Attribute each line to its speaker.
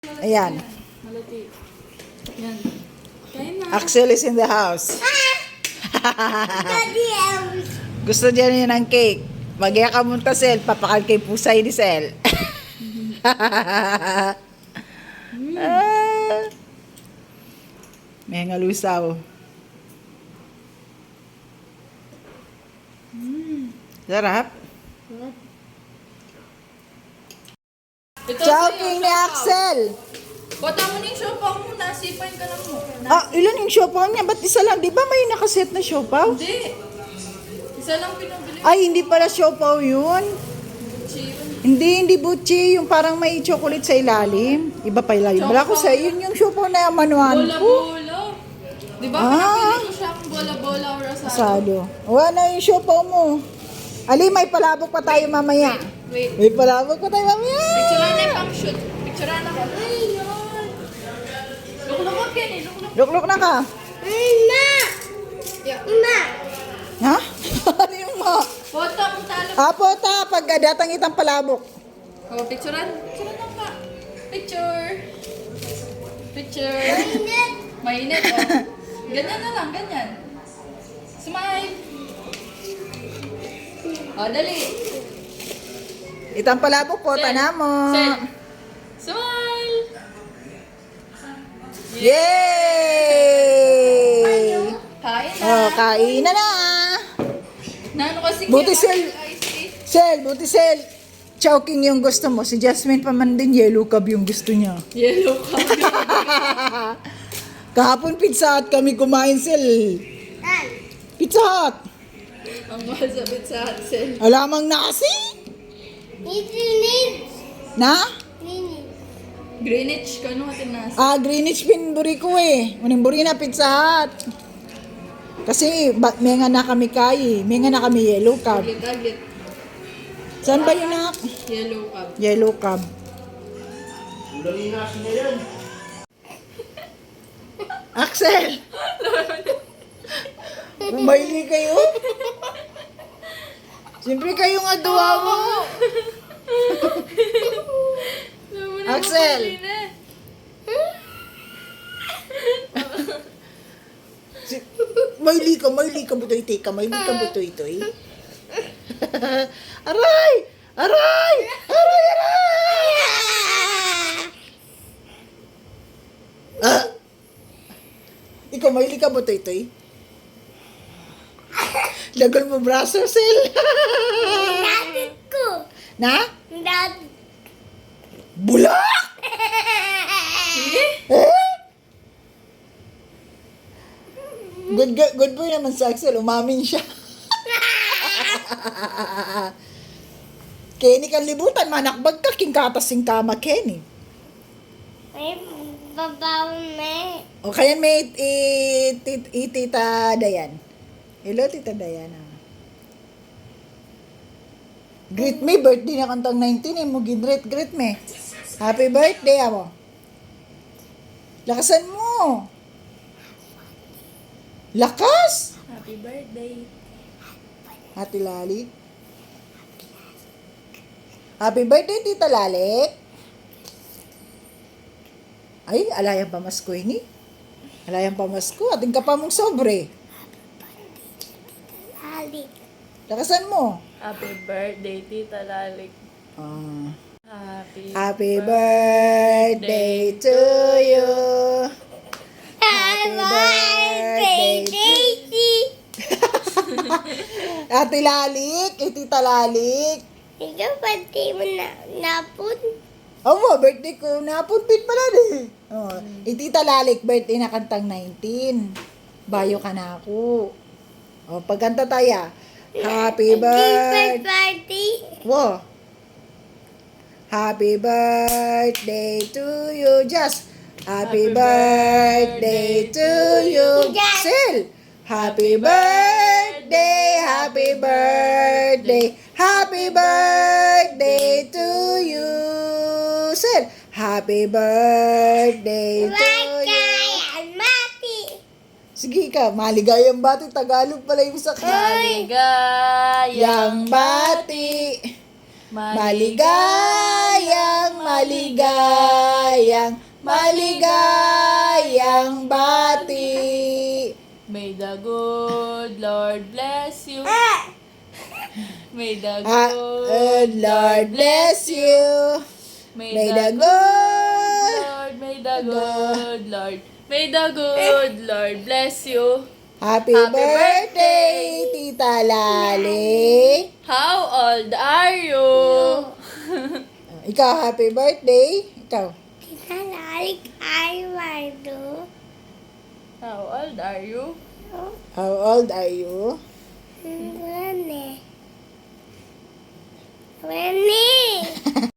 Speaker 1: Ayan.
Speaker 2: Malati. Yan. Kain na.
Speaker 1: Axel is in the house.
Speaker 3: Daddy,
Speaker 1: Gusto niya niya ng cake. Magya ka munta, Sel. Papakal kay pusay ni Sel. Ah. May ngalusaw. Sarap.
Speaker 2: Ito
Speaker 1: Choking ni Axel.
Speaker 2: Bata mo na yung siopaw mo. Nasipain ka lang mo.
Speaker 1: Ah, ilan yung siopaw niya? Ba't isa lang? Di ba may nakaset na siopaw?
Speaker 2: Hindi. Isa lang pinabili.
Speaker 1: Ay, hindi pala siopaw yun. Hindi butchi. Yung parang may chocolate sa ilalim. Iba pa ilalim. Wala ko sa yun yung siopaw na manuan ko.
Speaker 2: Bola-bola. Di ba
Speaker 1: Ah.
Speaker 2: pinabili ko siya kung bola-bola or asado?
Speaker 1: Asado. Wala na yung siopaw mo. Ali, may palabok pa tayo mamaya.
Speaker 2: Wait.
Speaker 1: May palabok pa tayo mamaya.
Speaker 2: Picturean na yung pang shoot. Picturean na ko. Luklukot yan eh. Luklukot.
Speaker 1: Lukluk na ka.
Speaker 3: Ma!
Speaker 2: Yeah.
Speaker 3: Ma!
Speaker 1: Ha? Ano yung mo?
Speaker 2: Foto mo talo.
Speaker 1: Apo ta, pag datang itang palabok.
Speaker 2: Oh, picturean. Picturean lang ka. Picture. Picture.
Speaker 3: Init!
Speaker 2: Mainit oh. Ganyan na lang, ganyan. Smile. Oh, dali.
Speaker 1: Itang palabok po,
Speaker 2: Sel.
Speaker 1: tana mo.
Speaker 2: Sel. Smile.
Speaker 1: Yay!
Speaker 2: Kain na.
Speaker 1: Oh, kain na na.
Speaker 2: Nano kasi
Speaker 1: Buti,
Speaker 2: kaya
Speaker 1: Sel.
Speaker 2: ice tea.
Speaker 1: Sel, buti Sel. Chowking yung gusto mo. Si Jasmine pa man din, yellow cab yung gusto niya.
Speaker 2: Yellow coffee.
Speaker 1: Kahapon Pizza Hut kami kumain, Sel.
Speaker 3: Ay!
Speaker 1: Pizza Hut.
Speaker 2: Ang mahal sa Pizza Hut, Sel.
Speaker 1: Alamang na kasi.
Speaker 3: Init!
Speaker 1: Na?
Speaker 3: Init!
Speaker 2: Greenwich, kano natin nasa?
Speaker 1: Ah, Greenwich pinburi ko eh. Unimburi na Pizza Hut. Kasi may nga na kami kay. May nga na kami yellow cab.
Speaker 2: Aglit.
Speaker 1: Saan ba yun na?
Speaker 2: Yellow cup.
Speaker 1: Yellow cab. Axel! Bumayli kayo? Siyempre kayong aduwa mo. Axel! Mayli ka butoy ka, mayli ka butoy toy. Aray! Aray! Aray! Aray! Ah! Ikaw, mayli ka butoy toy. Lagal mo braso, Sel.
Speaker 3: Daddy ko!
Speaker 1: Na?
Speaker 3: Daddy!
Speaker 1: Bulak! Eh? Good boy naman si Axel. Umamin siya. Kenny kan libutan. Manakbag ka. Kingkatasing kama, Kenny.
Speaker 3: May babaw na
Speaker 1: O kaya may tita Dayan. Hello, tita Dayan. Greet me. Birthday na kantang 19 eh. Mo greet me. Happy birthday, amo. Lakasan mo. Lakas!
Speaker 2: Happy birthday.
Speaker 1: Ate Lali. Happy birthday, Tita Lali. Ay, alayang pamasko ini. Alayang pamasko. Ating ka pa mong sobre.
Speaker 3: Daddy!
Speaker 1: Lakasan mo.
Speaker 2: Happy birthday, Tita Lalik.
Speaker 1: Ah.
Speaker 2: Happy
Speaker 1: Happy birthday to you.
Speaker 3: Happy birthday, Daisy!
Speaker 1: Ate Lalik. Tita Lalik.
Speaker 3: Ikaw, pati mo na napun.
Speaker 1: Oh, birthday ko. Napuntit pala eh. Oh, Tita Lalik, birthday na kantang 19. Bayo ka na ako. Oh, pagkanta tayo. Happy birthday.
Speaker 3: Party!
Speaker 1: Wow. Happy birthday to you. Just happy birthday to you.
Speaker 3: Just.
Speaker 1: Sil. Happy birthday. Happy birthday. Happy birthday to you. Sil. Happy birthday to you.
Speaker 3: Bagay mati!
Speaker 1: Sige ka, maligayang bati. Tagalog pala yung sa
Speaker 2: Maligayang
Speaker 1: bati. Maligayang maligayang bati.
Speaker 2: May the good Lord bless you. May the
Speaker 1: Good Lord bless you. May the good
Speaker 2: Lord, may the good Lord, may the good Lord bless you.
Speaker 1: Happy
Speaker 2: Happy
Speaker 1: birthday, Tita Lali.
Speaker 2: How old are you?
Speaker 1: Ikaw, happy birthday. Ikaw.
Speaker 3: Tita Lalik, I want to.
Speaker 2: How old are you?
Speaker 1: How old are you?
Speaker 3: Rene. Rene.